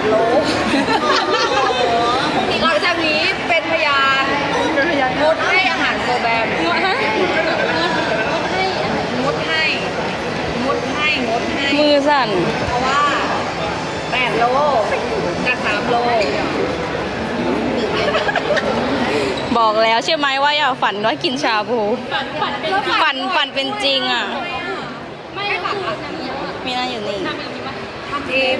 8 โลหลังจากนี้เป็นพยานงดให้อาหารโซแบมงดให้มือสั่นเพราะว่า8 โลจาก3 โลบอกแล้วใช่ไหมว่าอย่าฝันว่ากินชาบูฝันเป็นจริงอ่ะไม่ฝันมีน่าอยู่นี่ทำเอง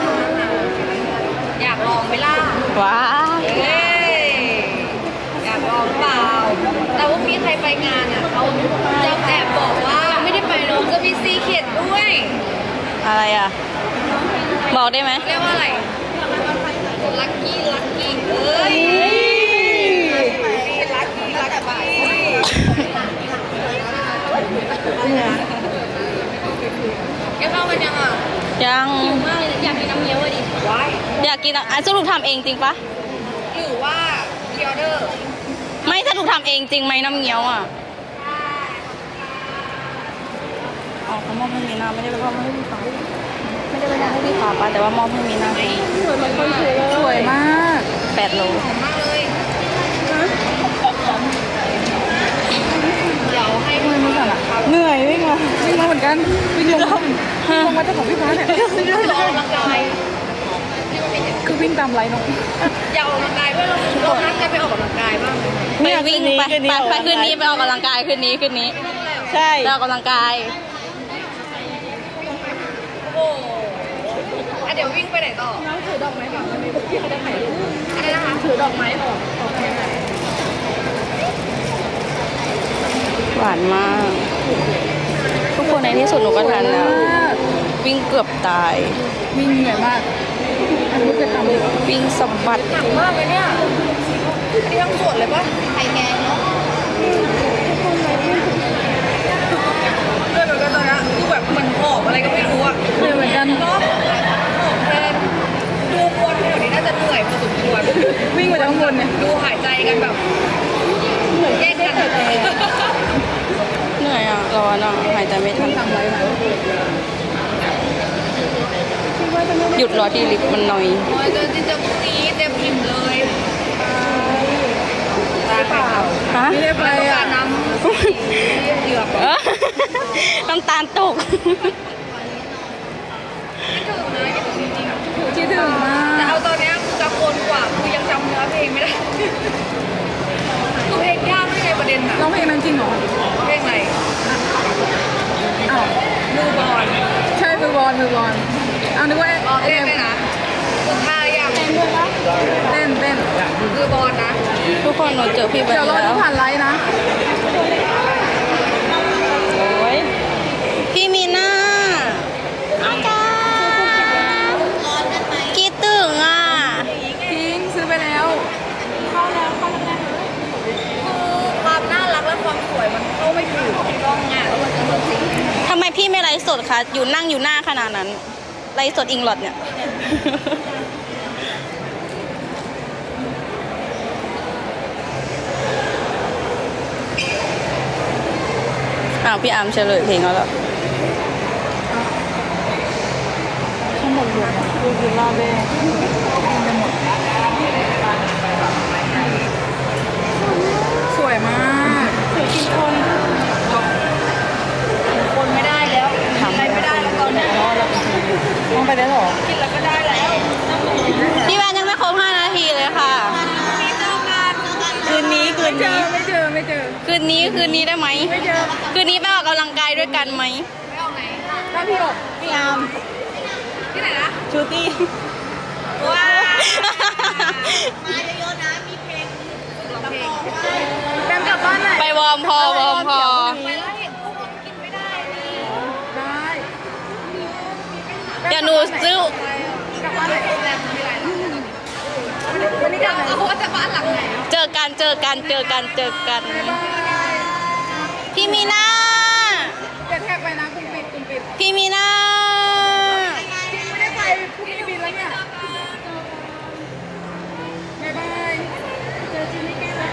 อยากลองไหมล่ะว้าเอ้ยอยากลองเปล่าแต่ว่ามีใครไปงานอ่ะเขาจะแอบบอกว่าไม่ได้ไปหรอกจะมีซีเค็ดด้วยอะไรอ่ะบอกได้ไหมเรียกว่าอะไรลักกี้เอ้ยลักกี้แกเข้ามันยังอ่ะยังอยากกินน้ำเงี้ยวดิว้ายอยากกินอ่ะสรุปทำเองจริงปะหรือว่าพิออเดอร์ไม่สรุปทำเองจริงไหมน้ำเงี้ยวอ่ะอ๋อเขามอบให้มีนาไม่ได้ไปมอบให้พี่ฟ้าไม่ได้ไปมอบให้พี่ฟ้าปะแต่ว่ามอบให้มีนาสวยมาก8 โลหอมมากเลยเดี๋ยวให้มือมาก่อนละครับเหนื่อยวิ่งมาเหมือนกันวิ่งลงมาเจ้าของพี่ฟ้าเนี่ยออกกำลังกายคือวิ่งตามไลน์น้องอยากออกกำลังกายด้วยเรานัดกันไปออกกำลังกายบ้างไปวิ่งไปคืนนี้ไปออกกำลังกายคืนนี้ใช่ไปออกกำลังกายโอ้โหเดี๋ยววิ่งไปไหนต่อน้องถือดอกไม้ก่อนมันมีพี่เขาจะถ่ายรูปอะไรนะคะถือดอกไม้ออกไปไหนหวานมาก ทุกคนในที่สุดหนูก็ทันแล้ว วิ่งเกือบตายวิ่งเหนื่อยมากอันนี้จะทำวิ่งสะบัดหนักมากเลยเนี่ยอันนี้ทั้งส่วนเลยปะไข่แกงเนาะด้วยเหมือนกันตอนนี้คือแบบเหมือนหอบอะไรก็ไม่รู้อะเหนื่อยเหมือนกันเนาะหอบแทนดูคนแถวนี้น่าจะเหนื่อยพอสมควรวิ่งมาจากข้างบนเนี่ยดูหายใจกันแบบแยกกันหายใจเหนื่อยอ่ะ ร้อนอ่ะ หายใจไม่ทันทำไรนะหยุดรอที่ลิฟต์มันหน่อยโอ้ยเจอที่เจอพรุ่งนี้เต็มอิ่มเลยตาเปล่าฮะไม่ได้ไปต้องกาอ่ะรน้ำเหยือกเออน้ำตาลตกคิดถึงนะคิดถึงจริงๆคิดถึงมาแต่กเอาตอนนี้คือกังวลกว่าคือยังจำเนื้อเพลงไม่ได้คือเพลงยากไม่ในประเด็นอะร้องเพลงนั้นจริงเหรอเพลงอะไรอ้าวมือบอลใช่มือบอลอ้าวนึกว่าอ๋อเต้นเลยนะคุณท่ายังเต้นมือบอลนะทุกคนหนูเจอพี่แบเดี๋ยวบรอแล้ดูวผ่านไลน์นะโอ้ยพี่มีน่าอาจารย์คิดถึงอ่ะทิ้งซื้อไปแล้วคือความน่ารักและความสวยมันเข้าไม่ถูกกล้องอ่ะแล้วมันจะเหมือนสิ่งทำไมพี่ไม่ไลฟ์สดคะ อยู่นั่งอยู่หน้าขนาดนั้น ไลฟ์สดอิงหลอดเนี่ย อ้าวพี่อาร์มเฉลยเพลงแล้วเหรอข้างบนรวมดูวิลล่าเบ้สวยมากสวยกินคนคนไม่ได้แล้วทำอะไรไม่ได้แล้วตอนนี้มองไปได้หรอกินแล้วก็ได้แล้วพี่แวนยังไม่ครบ5 นาทีเลยค่ะมีเจอกันคืนนี้ไม่เจอคืนนี้ได้ไหมไม่เจอคืนนี้ไปออกกำลังกายด้วยกันไหมไม่ออกไหนถ้าพี่บอกพี่อาร์มที่ไหนนะชูตี้ว้าวแบมกลับบ้านไหนไปวอร์มพอไปแล้วเห็นพวกมันกินไม่ได้นี่ได้เดี๋ยวหนูซื้อกลับบ้านไหนโรงแรมมีอะไรหรอวันนี้เราเอาว่าจะบ้านหลังไหนเจอกัน พี่มีนาจะแท็กไปนะคุณปิดพี่มีนาไม่ได้ไปพรุ่งนี้บินแล้วเนี่ยบ๊ายบายเจอจิมมี่แก้ว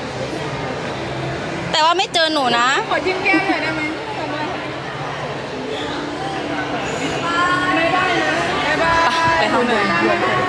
แต่ว่าไม่เจอหนูนะขอจิ้มแก้มหน่อยได้ไหมบ๊ายบายนะบ๊ายบายไปทำเลย